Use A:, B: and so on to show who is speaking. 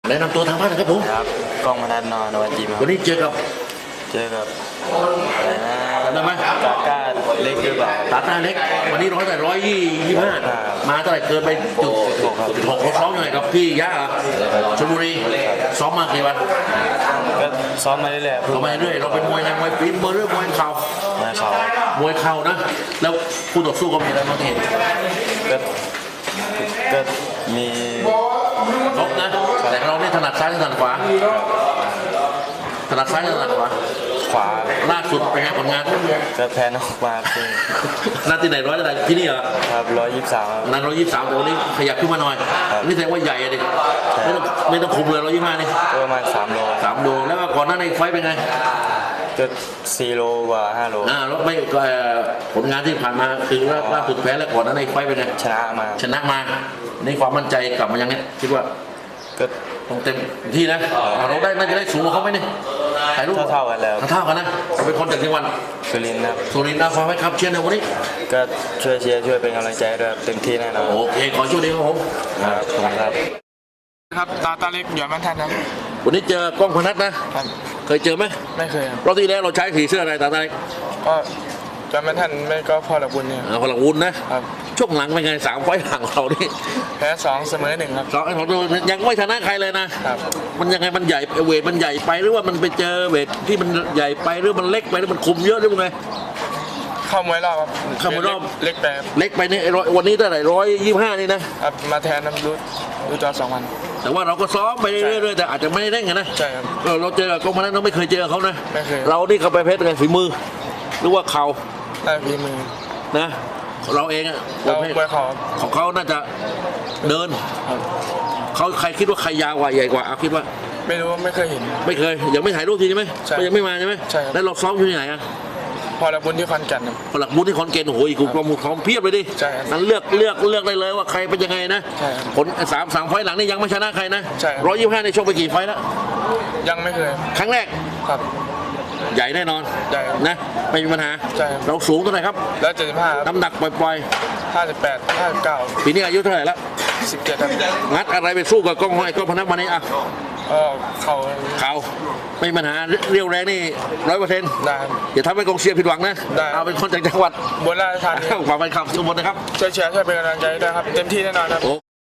A: แนะนำตัวทางบ้านนะครับผม
B: ครับกล้องมนัสนอนวันจีมครับ
A: วันนี้เจอกับ
B: อะไรนะ
A: จำได้ไหม
B: กาก้าเล็กหรือเปล่า
A: ตาต้าเล็กวันนี้125มาเท่าไหร่เกินไปจุดหกเขาซ้อมยังไงกับพี่ย่าชลบุรีซ้อมมากี่วัน
B: ก็ซ้อมมาเรื่อยๆ
A: เรามาเรื่อยเราเป็นมวยในมวยปีนมวยเรื่อยมวยเข่า
B: มาเขา
A: มวยเข่านะแล้วคู่ต่อสู้ก็มีอะไรบ้างที่เห็น
B: ก็มี
A: ครบนะแต่เราเนี่ยถนัดซ้ายหรือถนัดขวาถนัดซ้ายหรือถนัดขวา
B: ขวา
A: ล่าสุดเป็นไงผลงาน
B: ก็แพ้นอกมาคือ
A: หน้าที่ไหนร้อยเท่าไหร่ที่นี่เหรอ
B: ครับ123ครับ
A: นั้น123แต่วันนี้ขยับขึ้นมาหน่อย
B: ครับ
A: นี่แสดงว่าใหญ่อะดิไม่ต้องคุมเลย125นี่
B: ก็ประมาณ3โล
A: 3 โลแล้วก่อนหน้าในไฟต์เป็นไง
B: ก็4โลกว่า5โล
A: แล้วไม่ผลงานที่ผ่านมาคือล่าสุดแพ้แล้วก่อนหน้าในไฟต์เป็นไง
B: ชนะมา
A: ชนะมาในความมั่นใจกลับมายังไงคิดว่า
B: ก็
A: ต้องเต็มที่นะเราได้น่าจะได้สูงกว่าเขาไหมเนี่ยถ่ายรูป
B: เท่ากันแล้ว
A: เท่ากันนะเราเป็นคนจากจังหวัด
B: สุรินทร์ครับ
A: สุรินทร์นะฟังไหมครับเชียร์ในวันนี้
B: ก็ช่วยเชียร์ช่วยเป็นกำลังใจด้วยเต็มที่แน่นอน
A: โอเคขอช่วยดีครับผม
B: ครับขอบคุณครับ
C: ครับตาเล็กหยอดมันทันครับ
A: วันนี้เจอกล้องพนัทนะครับ เคยเจอไหม
C: ไม่เคยครับ
A: รอบที่แล้วเราใช้สีเสื้ออะไรตาตา
C: ก็หยอดมันทันไม่ก็พอละบุญเนี่ย
A: พลังวุ้นนะครับ ช่วงหลังเป็นไง3 ไฟล์หลังเรานี่
C: แพ้2เสมอ1ครับ
A: สองไอ้ของเรายังไม่ชนะใครเลยนะครับ มันยังไงมันใหญ่เวทมันใหญ่ไปหรือว่ามันไปเจอเวทที่มันใหญ่ไปหรือมันเล็กไปหรือมันคุมเยอะหรือว่าไง
C: เข้ามวยรอบครับ
A: เข้ามวยรอบ
C: เล็กไปครับ
A: เล็กไปนี่วันนี้เท่าไหร่125นี่นะครับ
C: มาแทนน้ำดูจอ2วัน
A: แต่ว่าเราก็ซ้อมไปเรื่อยๆแต่อาจจะไม่ได้เร่งอะนะ
C: ใช่ครับ
A: เราเจอกับกล้องพนัทเราไม่เคยเจอเขานะ
C: ไม่เคย
A: เรานี่เขาไปเพชรไงฝีมือ หรือว่าเข่า
C: ได้ฝีมือ
A: นะเราเองอะ
C: เรา
A: ประเภท
C: มวยเขาครับ
A: ของเขาน่าจะเดิน
C: ครับ
A: เขาใครคิดว่าใครยาวกว่าใหญ่กว่าเอาคิดว่า
C: ไม่รู้ไม่เคยเห็น
A: ไม่เคยยังไม่ถ่ายรูปทีใช่ไหม
C: ใช่
A: ก็ยังไม่มาใช่ไหม
C: ใช่ครับ
A: แล้วเราซ้อมอยู่ที่ไหนอะ
C: พอละบุญที่คอนแก่นครับ
A: หลักบุญที่คอนเกนโอ้โหอีกกลุ่มของเพียบเลยดิ
C: ใช่ครับ
A: นั้นเลือกได้เลยว่าใครเป็นยังไงนะ
C: ใช่ครับ
A: ผลสามไฟล์หลังนี่ยังไม่ชนะใครนะ
C: ใช่ครับ
A: 125ในชกไปกี่ไฟล์แล้ว
C: ยังไม่เคย
A: ครั้งแรก
C: ครับ
A: ใหญ่แน่นอน
C: ใช่ครับ
A: นะไม่มีปัญหา
C: ใช่ครับ
A: เราสูงเท่าไหร่ครับ
C: แล้ว75ครับ
A: น้ำหนักปล่อย
C: 58 59
A: ๆปีนี้อายุเท่าไหร่แล้ว
C: 17ครับ
A: งัดอะไรไปสู้กับกล้องห้อยกล้องพนักมานี่อ่ะ
C: ก็เขา
A: เขาไม่มีปัญหาเรียวแรงนี่100%
C: ได้ครับ
A: อย่าทำให้กองเชียร์ผิดหวังนะ
C: ได้
A: เอาเป็นคนจากจังหวัด
C: บนราชธานี
A: ฝากไปขับสมบูรณ์นะครับ
C: ช่วยเชียร์ช่วยเป็นกำลังใจด้วยครับเต็มที่แน่นอนครับ